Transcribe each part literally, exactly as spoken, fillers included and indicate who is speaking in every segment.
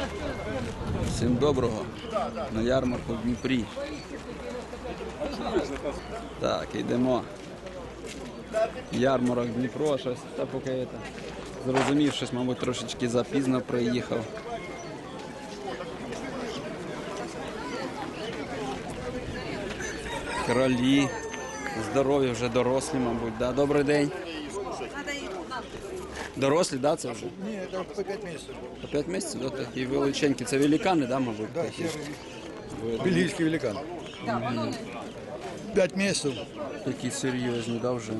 Speaker 1: Всім доброго. На ярмарку в Дніпрі. Так, йдемо. Ярмарок Дніпро, щось, та поки я зрозумів, щось, мабуть, трошечки запізно приїхав. Кролі. Здорові, вже дорослі, мабуть. Да? Добрий день. Дорослі, да, це вже?
Speaker 2: Ні, це по п'ять місяців.
Speaker 1: По п'ять місяців, да, такі величенькі. Це великани, да, мабуть?
Speaker 2: Да,
Speaker 1: такі?
Speaker 2: бельгійський великан. П'ять місяців.
Speaker 1: Такі серйозні, да, вже?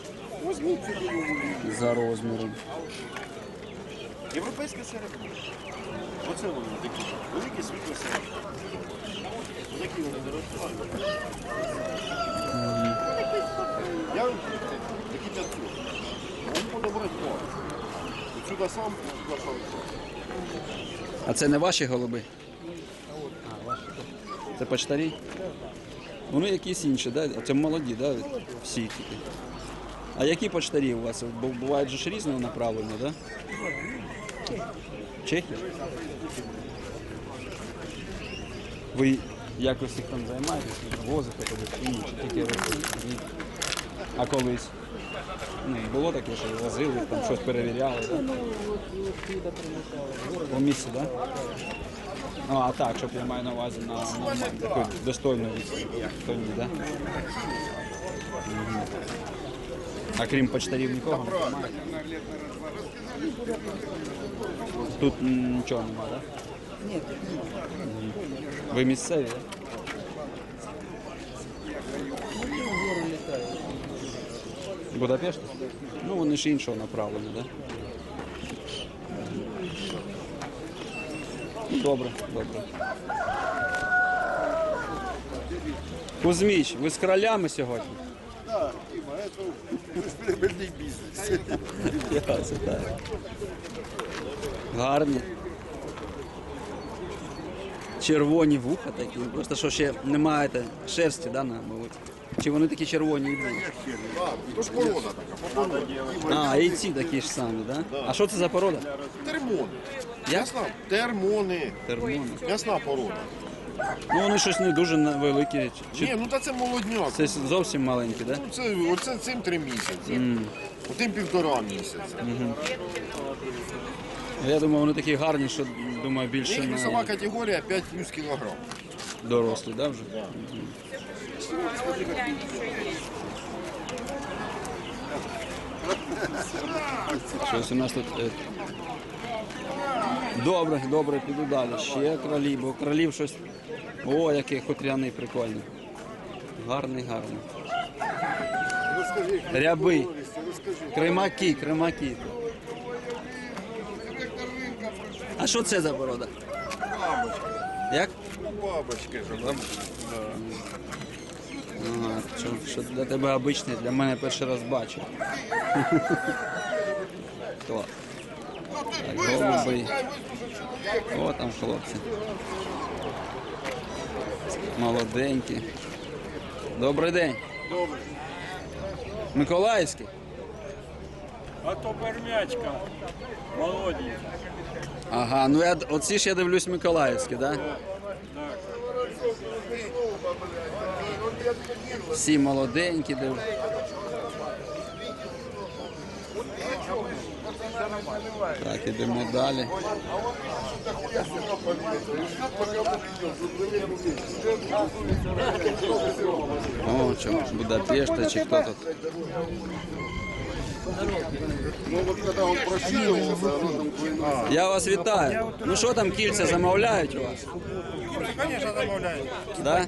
Speaker 1: За розміром.
Speaker 3: Європейська середина. Оце вони такі. Великі світло середини. Такі вони дорослі. Я такі п'ятсот. Він подобрати два. Сюди сам, сюди сам.
Speaker 1: А це не ваші голуби? А, ваші. Це почтарі? Вони якісь інші, да? А це молоді, да? Всі тільки. А які почтарі у вас? Бо бувають же ж різного направлення, да? Чехи? Ви якось їх там займаєтесь, возите кудись чи ні? Чи тільки ви? А колись? Ну, було таке, що возили, там щось перевіряли, да? По місці, так? Да? Ну, а так, щоб я маю на увазі на, на, на таку достойну відповідь, то ні, так? Да? Угу. А крім почтарів нікого немає? Тут нічого немає, так?
Speaker 2: Ні.
Speaker 1: Ви місцеві, так? Будапешт? Ну, вони ж іншого направлення, так? Да? Добре, добре. Кузьміч, ви з кролями сьогодні?
Speaker 3: Так, Діма, це прибильний бізнес.
Speaker 1: Це так. Гарні. Червоні вуха такі. Просто що ще немає шерсті, да, на, мабуть. Чи вони такі червоні і будуть?
Speaker 3: То ж порода така, порода.
Speaker 1: А, і ці такі ж самі, да? А що це за порода?
Speaker 3: Термони.
Speaker 1: Як?
Speaker 3: М'ясна. Термони.
Speaker 1: Термони.
Speaker 3: М'ясна порода.
Speaker 1: Ну вони щось не дуже на- великі. Чи
Speaker 3: Ні, ну та це молодняк.
Speaker 1: це зовсім маленькі, да?
Speaker 3: Ну, це, оце цим три місяці. Отим півтора місяця.
Speaker 1: Я думаю, вони такі гарні, що, думаю, більше
Speaker 3: Їх весова
Speaker 1: на
Speaker 3: категорія п'ять плюс кілограм.
Speaker 1: дорослі, да, вже? Щось у нас тут... е, Добре, добре, піду далі. Ще кролі, бо кролів щось... О, який хутряний, прикольний. Гарний, гарний. Ряби. Кримаки, кримаки. А що це за порода? Як?
Speaker 3: Бабочки ж.
Speaker 1: Ага, що, що для тебе обичний, для мене перший раз бачу. Клас. Так, голуби. О, там хлопці. Молоденькі. Добрий день.
Speaker 3: Добре.
Speaker 1: Миколаївський?
Speaker 4: А то пермячка, молоденька.
Speaker 1: Ага, ну я, оці ж я дивлюсь Миколаївські, так? Да? Всі молоденькі дивлюсь. Так, ідемо далі. О, що, Будапешта чи хто тут?
Speaker 3: Ну от коли він прощувався, воно там
Speaker 1: Я вас вітаю. Ну що там кільця замовляють у вас?
Speaker 2: Звісно, замовляють.
Speaker 1: Да?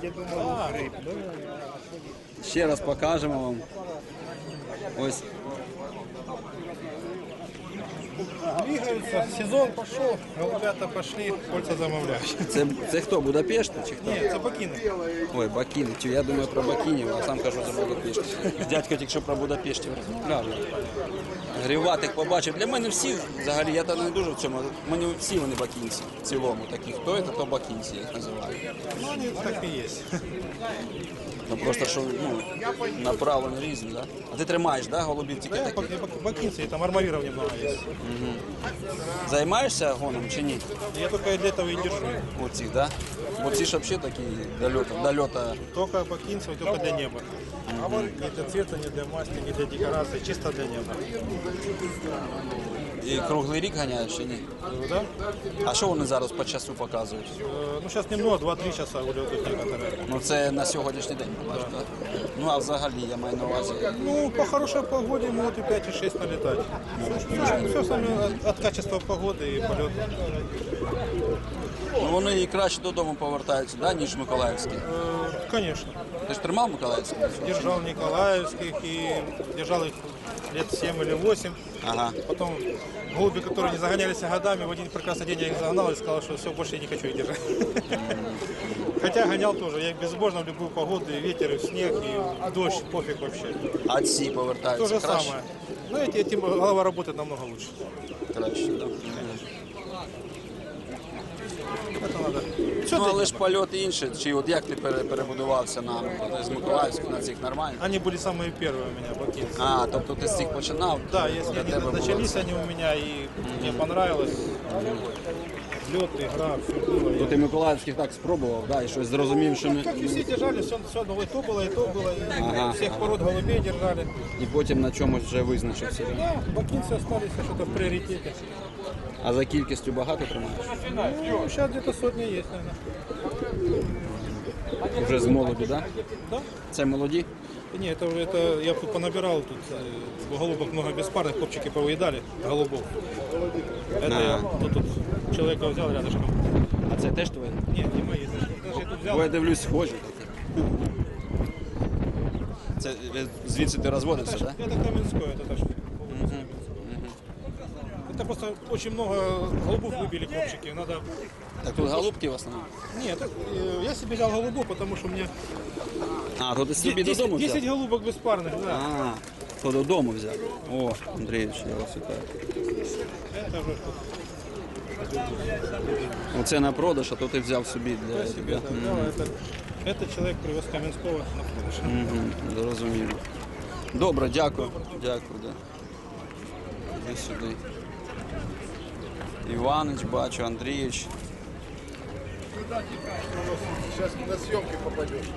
Speaker 1: Ще раз покажемо вам. Ось.
Speaker 2: Двигаються, сезон пішов, голубята пішли, кольця замовляють.
Speaker 1: Це, це хто, Будапешт чи хто?
Speaker 2: Ні, це бакіни.
Speaker 1: Ой, Бакіни. Чи я думаю про Бакінів, а сам кажу за Будапешт. Дядько тільки що про Будапештів розмовляв. Гріватих побачив. Для мене всі, взагалі, я там не дуже в цьому, мені всі вони бакінці в цілому такі. Хто це, то бакінці, я їх називаю.
Speaker 2: Ну, вони так і є.
Speaker 1: Ну просто що, ну, направлені різні, да? А ти тримаєш, да, голубів тільки
Speaker 2: Да,
Speaker 1: такі?
Speaker 2: бак- бакинцы, там армавиров немного есть.
Speaker 1: Займаєшся гоном чи ні?
Speaker 2: Я только для этого и держу.
Speaker 1: Оці, да? Бо ці ж взагалі такі до льота, до льота.
Speaker 2: Только бакинцев, только для неба. Не для цвета, не для масти, не для декорации, чисто для неба.
Speaker 1: І круглий рік ганяєш чи ні?
Speaker 2: Э, Да?
Speaker 1: А що вони зараз по часу показують?
Speaker 2: Э, Ну, сейчас немного, два-три часа улетают некоторые.
Speaker 1: Ну це на сьогоднішній день, так? Ну а взагалі я маю на увазі.
Speaker 2: Ну, по хорошей погоде могут и пять, и шесть налетать. Все сами от, от качества погоды и полета.
Speaker 1: Ну вони і краще додому повертаються, да, ніж Миколаївські.
Speaker 2: Э, Конечно.
Speaker 1: Ти ж тримав Миколаївські?
Speaker 2: Держал Николаевских и держал их лет семь или восемь.
Speaker 1: Ага.
Speaker 2: Потом голуби, которые не загонялись годами, в один прекрасный день я их загнал и сказал, что все, больше я не хочу их держать. Хотя гонял тоже, я их безбожно в любую погоду, и ветер, и снег, и дождь, пофиг вообще.
Speaker 1: А ці
Speaker 2: То
Speaker 1: повертаються
Speaker 2: же
Speaker 1: краще?
Speaker 2: самое. Но эти, этим голова работает намного лучше.
Speaker 1: Краще, да.
Speaker 2: Это надо. Все
Speaker 1: Ну але ж польот інший. Чи от як ти пере- перебудувався на з Миколаївських на цих нормально?
Speaker 2: Они были самые первые у меня, бакинцы.
Speaker 1: А, тобто ти з цих починав?
Speaker 2: Да, если
Speaker 1: Для
Speaker 2: они
Speaker 1: тебе було
Speaker 2: начались
Speaker 1: це.
Speaker 2: они у меня, и мне понравилось. Лед, игра, все было.
Speaker 1: То ти Миколаївських так спробував, да, і щось зрозумів, що не...
Speaker 2: Как и все держали, все, все одно, и то было, и то было. И
Speaker 1: Ага,
Speaker 2: всех пород голубей держали.
Speaker 1: І потім на чомусь вже визначився.
Speaker 2: Да, бакинцы остались что-то в приоритете.
Speaker 1: А за кількістю багато тримаєш?
Speaker 2: Ну, сейчас где-то сотня есть, наверное.
Speaker 1: Вже з молоді, да?
Speaker 2: Да?
Speaker 1: Це молоді?
Speaker 2: Не, это, уже- это я тут понабирал, тут э, голубок много беспарных, копчики повыедали, голубов. Это
Speaker 1: А.
Speaker 2: я тут, тут человека взял рядышком.
Speaker 1: А це теж твої?
Speaker 2: Нет, не мои, даже, даже я тут взял.
Speaker 1: Бо я дивлюсь, схожі. Це е, звідси ти розводився, так? Да?
Speaker 2: Это Каменское, это тоже. Это просто очень много голубов выбили копчики, надо...
Speaker 1: Так тут голубки в основному.
Speaker 2: Нет, это, э, я себе взял голубов, потому что мне
Speaker 1: А, то ти собі додому
Speaker 2: десять,
Speaker 1: взяв?
Speaker 2: десять голубок беспарных, да.
Speaker 1: А, то додому взяв. О, Андрійович, я вас вітаю.
Speaker 2: Это уже
Speaker 1: Оце на продаж, а то ти взяв собі для
Speaker 2: себе,
Speaker 1: себе.
Speaker 2: да, да, это, это человек привез Каменского на продаж.
Speaker 1: Угу, зрозуміло. Добре, дякую. Дякую, да. Іди сюди. Іванич, бачу, Андрійович.
Speaker 3: Сейчас на съемки попадешь.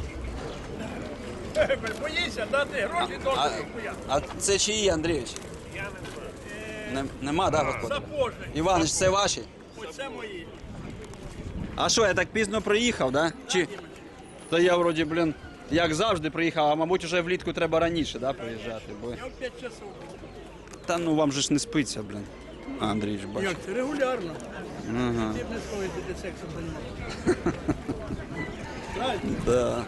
Speaker 4: Боїся дати гроші до
Speaker 1: А, а це чиї, Андрійович? Не, нема, да, господи?
Speaker 4: Запожний.
Speaker 1: Іванич, це ваші?
Speaker 4: Оце мої.
Speaker 1: А що, я так пізно приїхав, да? Чи? То я вроді, блін, як завжди приїхав, а мабуть вже влітку треба раніше, да, приїжджати. Бо...
Speaker 4: Я в п'ять часов.
Speaker 1: Та ну вам же ж не спиться, блін. А, Андрійович, бачу.
Speaker 4: Як це? Регулярно.
Speaker 1: Ага.
Speaker 4: Ти б не сховий, ти сексом займаєшся. Правильно?
Speaker 1: Да.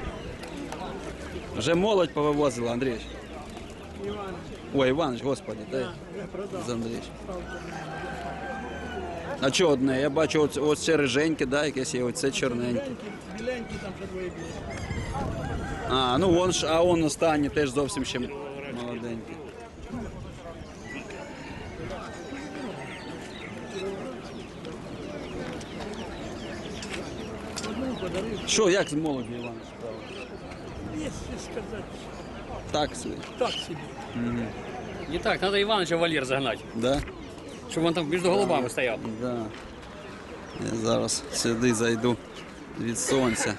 Speaker 1: Вже молодь повивозила, Андрійович.
Speaker 4: Іван,
Speaker 1: Ой, Іванович, господи, дай.
Speaker 4: вже продав.
Speaker 1: З Андрійович. А що одне? Я бачу, ось, ось це риженьке, да, якесь є, оце чорненьке.
Speaker 4: Біленький, біленький, там ще двоє білі.
Speaker 1: А, ну вон ж, а он останній теж зовсім ще молоденький.
Speaker 4: Одну подарив.
Speaker 1: Що, як з молоді, Іванович?
Speaker 4: Якщо сказати,
Speaker 1: Так собі.
Speaker 4: так собі.
Speaker 5: Не так, надо Ивановича в вольер загнать,
Speaker 1: Да?
Speaker 5: чтобы он там между голубами стоял.
Speaker 1: Да. Я зараз сюди зайду від сонця.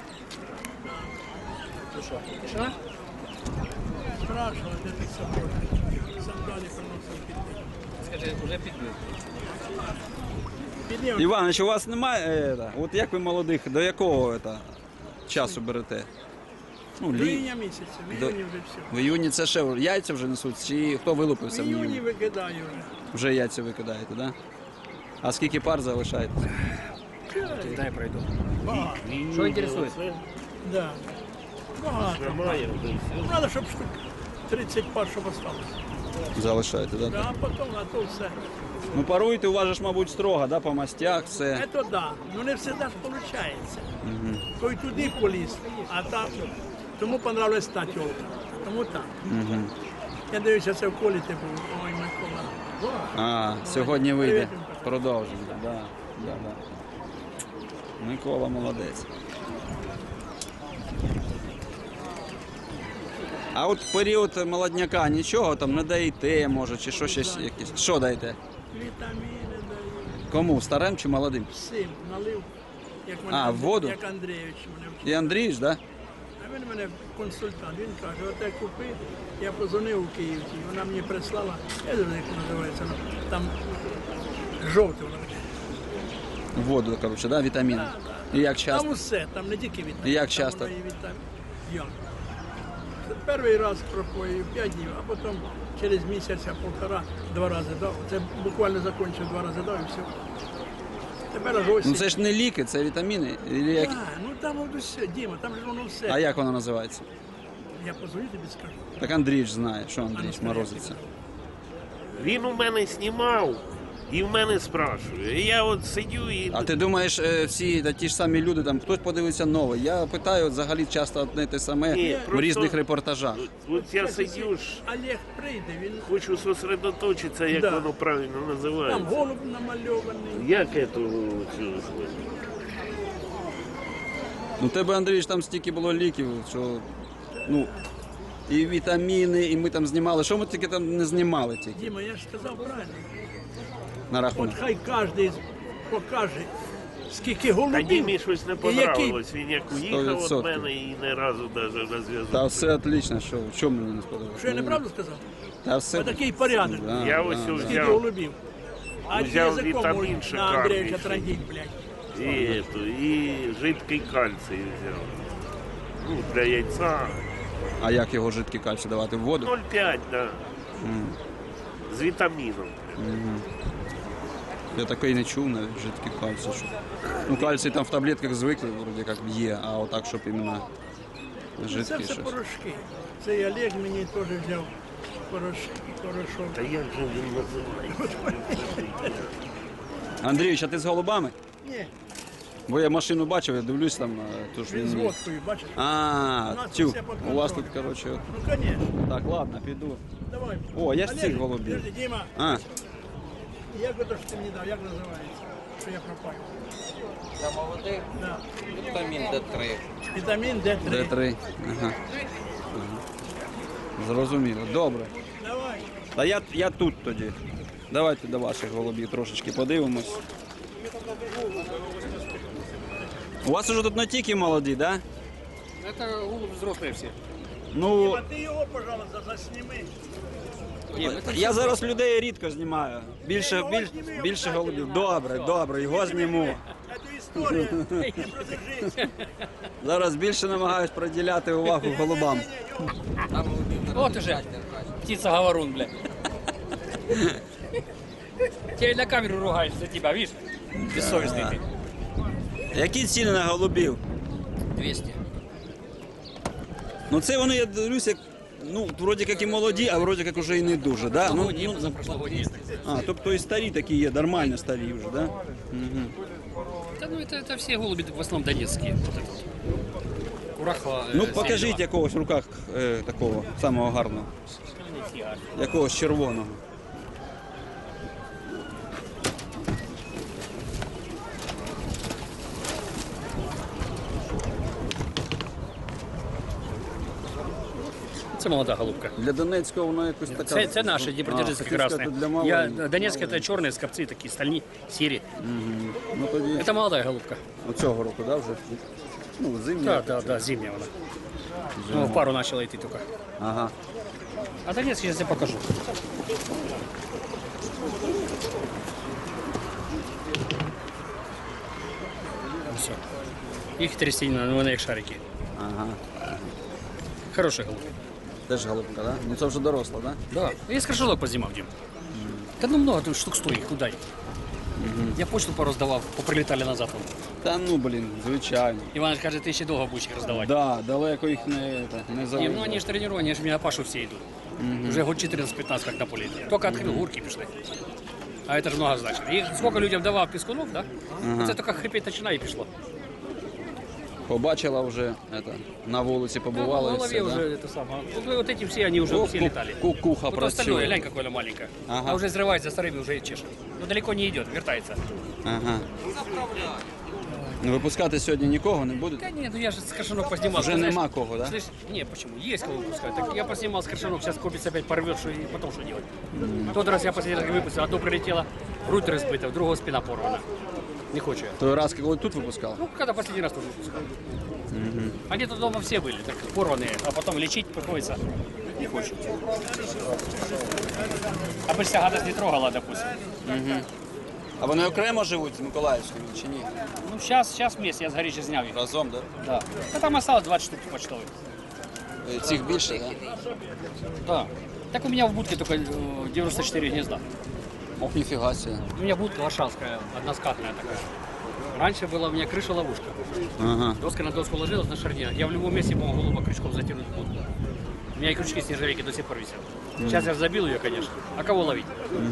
Speaker 4: Що? Страшно, де ти собою. Сандалі приносив піти.
Speaker 5: Скажи, уже підбив.
Speaker 4: Підняв.
Speaker 1: Іванович, у вас немає, е, та, от як ви молодих, до якого це, часу берете? Ну,
Speaker 4: До
Speaker 1: лі...
Speaker 4: іюня місяця, в
Speaker 1: До-
Speaker 4: іюні вже все.
Speaker 1: В іюні це ще яйця вже несуть, чи хто
Speaker 4: В
Speaker 1: вилупився в
Speaker 4: іюні
Speaker 1: іюні?
Speaker 4: викидаю вже.
Speaker 1: Вже яйця викидаєте, так? Да? А скільки пар залишаєте?
Speaker 5: Дай пройду.
Speaker 4: Багато.
Speaker 5: Что интересует?
Speaker 4: Да. Багато. Треба, щоб штук тридцять пар, щоб осталось.
Speaker 1: Залишаєте, так? Да?
Speaker 4: Да, а потім, а то все.
Speaker 1: Ну паруйте, у вас же ж, мабуть, строго, да, по мастях, все.
Speaker 4: Це да. Ну не завжди ж виходить. Той туди поліз, а там. Тому понравилась та тьолка. Тому так. Я дивлюся, це в колі ти був. Ой, Микола.
Speaker 1: А, сьогодні вийде.
Speaker 4: Привіт.
Speaker 1: Продовжимо. Да, да, да. Микола молодець. А от в період молодняка нічого там не даєте, може, чи що щось якесь. Що даєте?
Speaker 4: Вітаміни даю.
Speaker 1: Кому? Старим чи молодим?
Speaker 4: Всім налив. Як
Speaker 1: А, в воду?
Speaker 4: Як Андрійович мене вчив.
Speaker 1: І Андрій ж, да?
Speaker 4: А він мене консультант. Він каже, оте купи. Я позвонив у Київці, вона мені прислала, я не знаю, як вона називається, ну, там жовте воно таке.
Speaker 1: Воду, коротше, да? Вітаміни. І як часто?
Speaker 4: Там усе, там не тільки вітамін.
Speaker 1: І як
Speaker 4: там
Speaker 1: часто?
Speaker 4: воно і вітамін. Як? Перший раз пропоїв п'ять днів, а потім через місяця, полтора, два рази дав. Це буквально закінчив, два рази дав і все. Тепер аж ось.
Speaker 1: Ну це ж не ліки, це вітаміни. Ілі як...
Speaker 4: А, ну там воно все, Діма, там же воно все.
Speaker 1: А як воно називається?
Speaker 4: Я позвоню тобі скажу.
Speaker 1: Так Андрій ж знає, що
Speaker 4: А ну,
Speaker 1: Андрій
Speaker 4: скажи,
Speaker 1: морозиться.
Speaker 3: Він у мене знімав і в мене спрашує. І я от сидю і.
Speaker 1: А ти думаєш, е, всі та ті ж самі люди, там хтось подивиться новий. Я питаю от, взагалі часто одне те саме
Speaker 3: Ні,
Speaker 1: в
Speaker 3: просто-
Speaker 1: різних репортажах.
Speaker 3: От я сидю ж,
Speaker 4: Олег прийде, він
Speaker 3: хочу зосередоточитися, як
Speaker 4: Да.
Speaker 3: воно правильно
Speaker 4: там
Speaker 3: називається.
Speaker 4: голуб намальований.
Speaker 3: Як це цю
Speaker 1: Ну тебе, Андрій, ж там стільки було ліків, що ну і вітаміни, і ми там знімали. Що ми тільки там не знімали тільки
Speaker 4: Діма, я ж сказав правильно.
Speaker 1: на
Speaker 4: От
Speaker 1: рахунок.
Speaker 4: хай кожен покаже, скільки
Speaker 3: Та
Speaker 4: голубів.
Speaker 3: Дімі щось не
Speaker 4: і який-
Speaker 3: понравилось. Він як уїхав від
Speaker 1: відсотків.
Speaker 3: мене і ні разу навіть на зв'язок.
Speaker 1: Та все отлично, що в чому мені не сподобалося.
Speaker 4: Що я неправду сказав?
Speaker 1: Та все.
Speaker 4: Отакий порядок.
Speaker 1: Да,
Speaker 3: Я
Speaker 1: да,
Speaker 3: ось
Speaker 1: да.
Speaker 3: ось
Speaker 4: Скільки
Speaker 3: взяв
Speaker 4: голубів. А
Speaker 3: Взяв
Speaker 4: язиком
Speaker 3: вітамін
Speaker 4: можуть на
Speaker 3: шикарний,
Speaker 4: Андрійовича
Speaker 3: що-
Speaker 4: трандіть, блядь.
Speaker 3: і, ету, і жидкий кальцій взяв. Ну, для яйця.
Speaker 1: А як його жидкий кальцій давати в воду?
Speaker 3: ноль п'ять, да. З вітаміном.
Speaker 1: Я такий не чув навіть жидкий кальцій. Що... Ну кальцій там в таблетках звикли, вроді як є, а отак, щоб іменно
Speaker 4: Це
Speaker 1: жидкий
Speaker 4: все
Speaker 1: щось.
Speaker 4: порошки. Цей Олег мені теж взяв порошки, порошок.
Speaker 3: Та як же він називається?
Speaker 1: Андрійович, а ти з голубами?
Speaker 4: Ні,
Speaker 1: Бо я машину бачив, я дивлюсь там, а, то ж
Speaker 4: він з
Speaker 1: він...
Speaker 4: водкою, бачиш?
Speaker 1: А,
Speaker 4: нас
Speaker 1: тю,
Speaker 4: все під
Speaker 1: у вас тут,
Speaker 4: контролем.
Speaker 1: коротше, от.
Speaker 4: Ну, звісно.
Speaker 1: Так, ладно, піду.
Speaker 4: Давай.
Speaker 1: О, я ж
Speaker 4: Олег,
Speaker 1: цих голубів.
Speaker 4: подожди, Діма,
Speaker 1: А,
Speaker 4: як ото що ти мені дав, як називається? Що я пропаю?
Speaker 6: Для молодих
Speaker 4: Да.
Speaker 6: вітамін Д три.
Speaker 4: Вітамін Д три.
Speaker 1: Д три. Ага. Ага. Зрозуміло. Добре.
Speaker 4: Давай.
Speaker 1: Та я, я тут тоді. Давайте до ваших голубів трошечки подивимось. У вас уже тут не тільки молоді, так? Да?
Speaker 5: Это голубь взрослые все.
Speaker 1: Ну,
Speaker 4: А ти його, пожалуйста, засніми.
Speaker 1: я зараз людей рідко знімаю. Більше, більш, більше голубів. Добре, добре, його зніму.
Speaker 4: Це історія. Не продержись.
Speaker 1: Зараз більше намагаюсь приділяти увагу голубам.
Speaker 5: Вот уже птица-говорун, бля. Тебе на камеру ругаюсь за тебя, видишь? Бессовестный ты.
Speaker 1: Які ціни на голубів?
Speaker 5: двести.
Speaker 1: Ну це вони, я дивлюся, ну, вроді як і молоді, а вроді як уже і не дуже, да? Ну,
Speaker 5: Ну, не, за прошлогодние.
Speaker 1: а, тобто і старі такі є, нормально старі вже, да?
Speaker 5: Да ну это, это все голуби в основном донецкие. Вот этот вот. Курахова.
Speaker 1: Ну,
Speaker 5: э,
Speaker 1: покажіть
Speaker 5: Сельдова.
Speaker 1: якогось в руках е, такого самого гарного, якогось червоного.
Speaker 5: Це молода голубка.
Speaker 1: Для Донецького воно якось така...
Speaker 5: Це, це наші Дніпродзержинські
Speaker 1: А, хотів сказати,
Speaker 5: красные.
Speaker 1: для
Speaker 5: Я,
Speaker 1: маленьких.
Speaker 5: Донецкие это черные скопцы, такие стальни, серые.
Speaker 1: Ну тоді
Speaker 5: Это молодая голубка.
Speaker 1: оцього року, да, вже? Ну, зимня.
Speaker 5: Да, да, да, зимняя она. Ну, в пару начала идти только.
Speaker 1: Ага.
Speaker 5: А Донецкий сейчас я покажу. Все. Их трясина, ну, вони як шарики.
Speaker 1: Ага.
Speaker 5: Хороший голубь.
Speaker 1: Теж голубка, да? Ну це вже доросла, да?
Speaker 5: Да. Я с крыжелок позимал, Дим. Да ну много, тут штук сто их, куда их? Я почту пару сдавал, поприлетали назад. вон.
Speaker 1: Та ну, блін, звичайно.
Speaker 5: Иван каже, ты еще долго будешь их раздавать.
Speaker 1: Да, далеко їх не, это, не
Speaker 5: Не,
Speaker 1: завезли.
Speaker 5: ну они же тренированы, они же меня на Пашу все идут. Уже год четырнадцать-пятнадцать как на поле. Только открыл, гурки пришли. А это же много значит. И сколько людям давал пескунов, да? Це только хрипеть начинає і пішло.
Speaker 1: Побачила вже, это, на вулиці
Speaker 5: Да,
Speaker 1: побувала
Speaker 5: в
Speaker 1: і
Speaker 5: голове
Speaker 1: все,
Speaker 5: уже
Speaker 1: да?
Speaker 5: это самое. Вот, вот эти все, они уже
Speaker 1: О,
Speaker 5: все
Speaker 1: ку-
Speaker 5: летали.
Speaker 1: кукуха
Speaker 5: Вот остальное,
Speaker 1: працює.
Speaker 5: глянь, какое маленькое.
Speaker 1: Ага.
Speaker 5: А уже взрывается старыми, уже чешет. Но далеко не идет, вертается.
Speaker 1: Ага. Ну, випускати сьогодні нікого не будете?
Speaker 5: Да нет, ну я же с крашенок поснимал.
Speaker 1: Уже
Speaker 5: Ты знаешь,
Speaker 1: нема кого, да?
Speaker 5: Слышь, не, почему? Есть кого выпускать. Так я поснимал с крашенок, сейчас копится опять порвет, что, и потом что делать? Тот раз я последний раз выпустил, одно прилетело, руль разбито, у другого спина порвана. Не хочу я.
Speaker 1: Той раз, коли тут випускали?
Speaker 5: Ну, когда последний раз тоже выпускал. Они тут дома все были, так порванные, а потом лечить приходится. Не хочу. А бы вся гадость не трогала, допустим.
Speaker 1: А вони окремо живуть з Миколаївською чи ні?
Speaker 5: Ну, сейчас, сейчас вместе, я с горища снял их.
Speaker 1: Разом, да?
Speaker 5: Да. Да там осталось двадцать штук почтовых.
Speaker 1: Е, Цих більше, да?
Speaker 5: Да. Так у меня в будке только э, девяносто четыре гнезда.
Speaker 1: Ох, ніфіга себе.
Speaker 5: У меня будка варшавская, односкатная такая. Раньше была у меня крыша-ловушка.
Speaker 1: Ага.
Speaker 5: Доска на доску ложилась на шарнирах. Я в любом месте мог голуба крючком затянуть в будку. У меня и крючки с нержавейки до сих пор висят. Сейчас я забил ее, конечно. А кого ловить?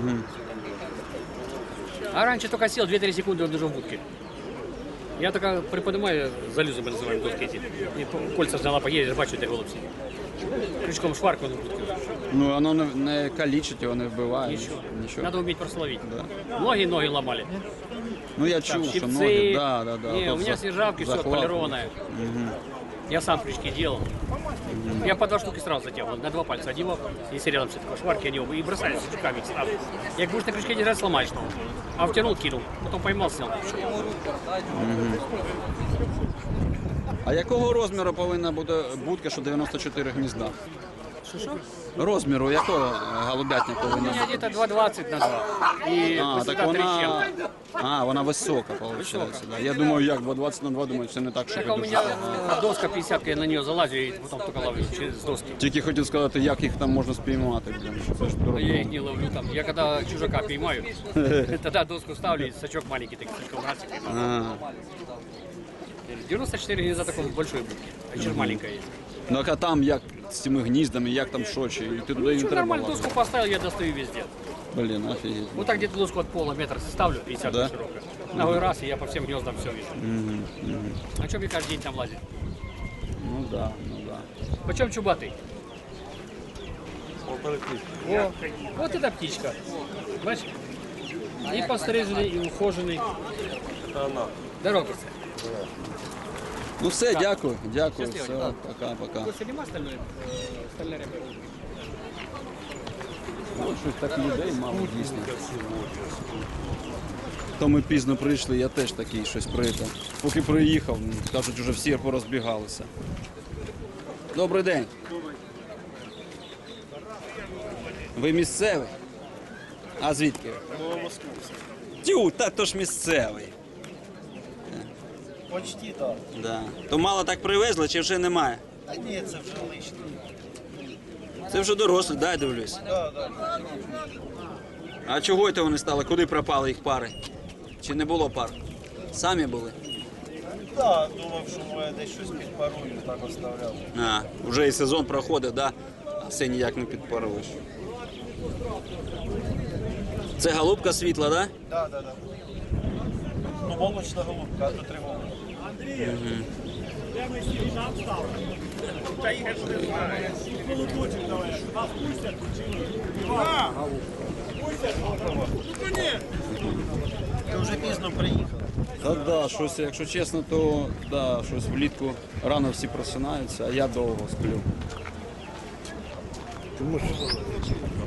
Speaker 5: А раньше только сел две-три секунды, он уже в будке. Я только приподнимаю, залюзы мы называем доски эти. И по- кольца взяла, поедешь, бачу, де голубь сидит. Крючком шварку на будке.
Speaker 1: Ну, воно не, не калічить, його не вбиває.
Speaker 5: Ничего.
Speaker 1: Нічого.
Speaker 5: Надо уметь просто ловить. Ноги, ноги ломали.
Speaker 1: Ну, я
Speaker 5: Там
Speaker 1: чув, що
Speaker 5: щипцы.
Speaker 1: ноги, да, да, да.
Speaker 5: Не,
Speaker 1: то
Speaker 5: у меня
Speaker 1: за-
Speaker 5: снежавки, все
Speaker 1: захват.
Speaker 5: отполированное. Я сам крючки делал. Я по два штуки сразу затягивал, на два пальца одевал, если рядом все такое, шварки они оба, и бросали с крючками сразу. Як будешь на крючке держать, сломаешь ногу. А втянул, кинул, потом поймал, снял.
Speaker 1: А якого розміру повинна бути будка, що дев'яносто чотири гнізда?
Speaker 5: Что-что?
Speaker 1: Розміру якого е, голубятня
Speaker 5: У
Speaker 1: повинна
Speaker 5: меня
Speaker 1: бути?
Speaker 5: где-то два двадцать на два. И
Speaker 1: А,
Speaker 5: высота
Speaker 1: так
Speaker 5: три с
Speaker 1: вона...
Speaker 5: чем-то.
Speaker 1: А, вона висока, виходить. Да. Я думаю, як два двадцять на два, думаю, це не так, що
Speaker 5: Так а у
Speaker 1: дуже.
Speaker 5: меня э, доска пятьдесят, я на нее залазю и потом только ловлю через доски.
Speaker 1: Тільки хотів сказати, як їх там можна спіймати. Блін. Це ж
Speaker 5: Но
Speaker 1: дорого.
Speaker 5: я их не ловлю там. Я когда чужака поймаю, тогда доску ставлю и сачок маленький, так слишком раз и поймаю.
Speaker 1: А.
Speaker 5: девяносто четыре гнезда такой большой будки, а еще маленькая есть.
Speaker 1: Ну, а там як з цими гніздами, як там що, чи і ти туди не
Speaker 5: Что,
Speaker 1: треба
Speaker 5: нормально
Speaker 1: лазити?
Speaker 5: доску поставил, я достаю везде.
Speaker 1: Блін, офігеть.
Speaker 5: Вот так где-то доску от пола метр ставлю, пятьдесят
Speaker 1: Да?
Speaker 5: широкая. Ногой раз, и я по всем гнездам все вижу. А что мне каждый день там лазить?
Speaker 1: Ну да, ну да.
Speaker 5: Почем чубатый? О, вот эта птичка. Бачишь? И постриженный, и ухоженный. Дорога.
Speaker 1: Ну все, дякую, дякую,
Speaker 5: Щасливо,
Speaker 1: все,
Speaker 5: да.
Speaker 1: пока-пока.
Speaker 5: Костя, нема остальное? Э, Стальная ряба.
Speaker 1: Ну, щось так людей мало дійсно. То ми пізно прийшли, я теж такий щось прийшов. Поки приїхав, ну, кажуть, вже всі порозбігалися. Добрий день. Ви місцевий? А звідки? Тю, та то ж місцевий.
Speaker 3: Почти так.
Speaker 1: Да. То мало так привезли, чи вже немає?
Speaker 3: А ні, це вже лишнє.
Speaker 1: Це вже дорослі, да, я дивлюсь.
Speaker 3: Да, да.
Speaker 1: А чого це вони стали? Куди пропали їх пари? Чи не було пар? Самі були?
Speaker 3: Да, думав, що моє десь щось підпарую, так оставляв.
Speaker 1: А, вже і сезон проходить, да? А все ніяк не підпаруєш. Це голубка світла, да?
Speaker 3: Да, да, да. Ну, молочна голубка, а то три голубки. Ти вже пізно приїхав.
Speaker 1: Та да, щось, якщо чесно, то да, щось влітку рано всі просинаються, а я довго сплю.
Speaker 7: Ти можеш